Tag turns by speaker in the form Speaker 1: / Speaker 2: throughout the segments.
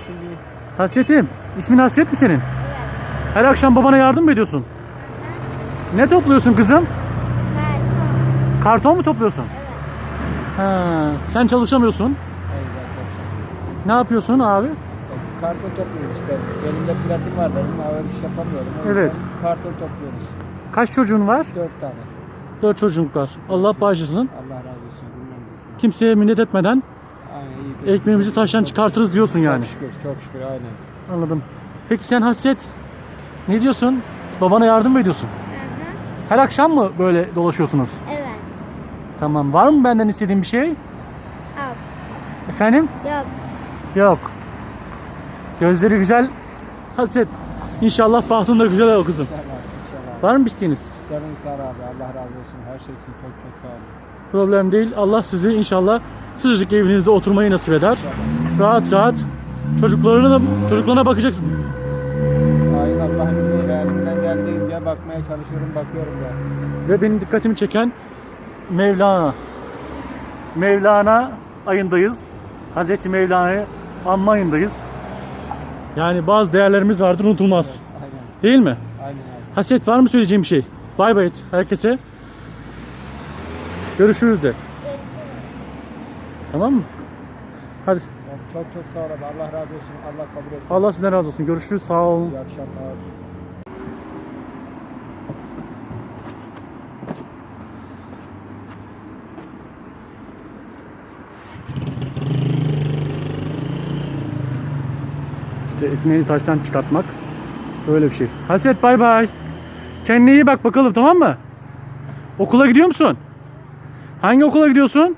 Speaker 1: olsun bir.
Speaker 2: Hasretim. İsmin Hasret mi senin?
Speaker 3: Evet.
Speaker 2: Her akşam babana yardım mı ediyorsun? Ne topluyorsun kızım?
Speaker 3: Karton.
Speaker 2: Karton mu topluyorsun?
Speaker 3: Evet.
Speaker 2: Ha, sen çalışamıyorsun.
Speaker 1: Evet.
Speaker 2: Ne yapıyorsun abi?
Speaker 1: Karton topluyoruz işte. Elimde platin var benim. Ağır iş yapamıyorum. O
Speaker 2: Evet.
Speaker 1: yüzden karton topluyoruz.
Speaker 2: Kaç çocuğun var?
Speaker 1: 4 tane.
Speaker 2: 4 çocuk var. Allah bağışlasın.
Speaker 1: Allah razı olsun. Bilmem.
Speaker 2: Kimseye minnet etmeden
Speaker 1: Aynen iyi.
Speaker 2: ekmeğimizi taştan çıkartırız diyorsun yani.
Speaker 1: Çok şükür, çok şükür aynen.
Speaker 2: Anladım. Peki sen Hasret ne diyorsun? Babana yardım mı ediyorsun? Her akşam mı böyle dolaşıyorsunuz?
Speaker 3: Evet.
Speaker 2: Tamam. Var mı benden istediğin bir şey?
Speaker 3: Yok.
Speaker 2: Efendim?
Speaker 3: Yok.
Speaker 2: Yok. Gözleri güzel. Hasret. İnşallah bahtın da güzel o kızım.
Speaker 1: İnşallah.
Speaker 2: Var mı bir isteğiniz?
Speaker 1: Canın sağ ol abi. Allah razı olsun. Her şey için çok çok sağ olun.
Speaker 2: Problem değil. Allah sizi inşallah sıcacık evinizde oturmayı nasip eder. Rahat rahat çocuklarına bakacaksın.
Speaker 1: Aynen Allah'ın izniyle elimden geldiğince bakmaya çalışıyorum, bakıyorum da.
Speaker 2: Ve benim dikkatimi çeken Mevlana. Mevlana ayındayız. Hazreti Mevlana'yı anma ayındayız. Yani bazı değerlerimiz vardır, unutulmaz.
Speaker 1: Aynen.
Speaker 2: Değil mi?
Speaker 1: Aynen abi.
Speaker 2: Hasret, var mı söyleyeceğim bir şey? Bay bay et herkese. Görüşürüz de.
Speaker 3: Görüşürüz.
Speaker 2: Tamam mı? Hadi.
Speaker 1: Çok çok sağ ol abi. Allah razı olsun. Allah kabul etsin.
Speaker 2: Allah sizden razı olsun. Görüşürüz. Sağ olun.
Speaker 1: İyi akşamlar.
Speaker 2: İşte ekmeğini taştan çıkartmak. Böyle bir şey. Hasret, bay bay. Kendine iyi bak bakalım, tamam mı? Okula gidiyor musun? Hangi okula gidiyorsun?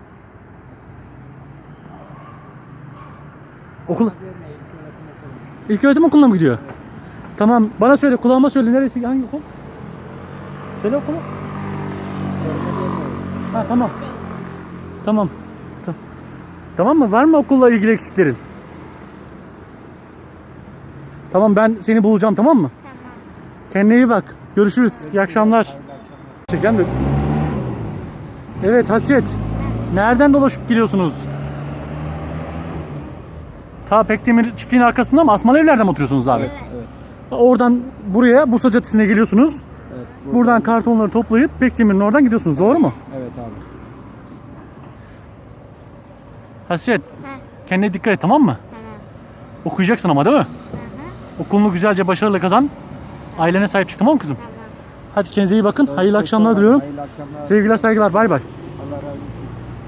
Speaker 2: Okula. İlköğretim okuluna mı gidiyor? Tamam. Bana söyle, kulağıma söyle. Neresi? Hangi okul? Söyle okulu. Ha, tamam. Tamam. Tamam mı? Var mı okulla ilgili eksiklerin? Tamam, ben seni bulacağım, tamam mı?
Speaker 3: Tamam.
Speaker 2: Kendine iyi bak. Görüşürüz. İyi akşamlar. Çeken mi? Evet Hasret. Nereden dolaşıp geliyorsunuz? Ta Pekdemir çiftliğin arkasında mı? Asmalı evlerden mi oturuyorsunuz abi?
Speaker 1: Evet.
Speaker 2: Oradan buraya Bursa Caddesi'ne geliyorsunuz.
Speaker 1: Evet.
Speaker 2: Buradan kartonları toplayıp Pekdemir'in oradan gidiyorsunuz. Doğru mu?
Speaker 1: Evet abi.
Speaker 2: Hasret.
Speaker 3: Ha.
Speaker 2: Kendine dikkat et, tamam mı?
Speaker 3: Tamam.
Speaker 2: Okuyacaksın ama, değil mi? Okulunu güzelce başarılı kazan. Ailene sahip çık, tamam mı kızım?
Speaker 3: Tamam.
Speaker 2: Hadi kendinize iyi bakın. Hayırlı
Speaker 1: Çok
Speaker 2: akşamlar
Speaker 1: sağ ol.
Speaker 2: diliyorum.
Speaker 1: Hayırlı akşamlar.
Speaker 2: Sevgiler, saygılar. Bay bay.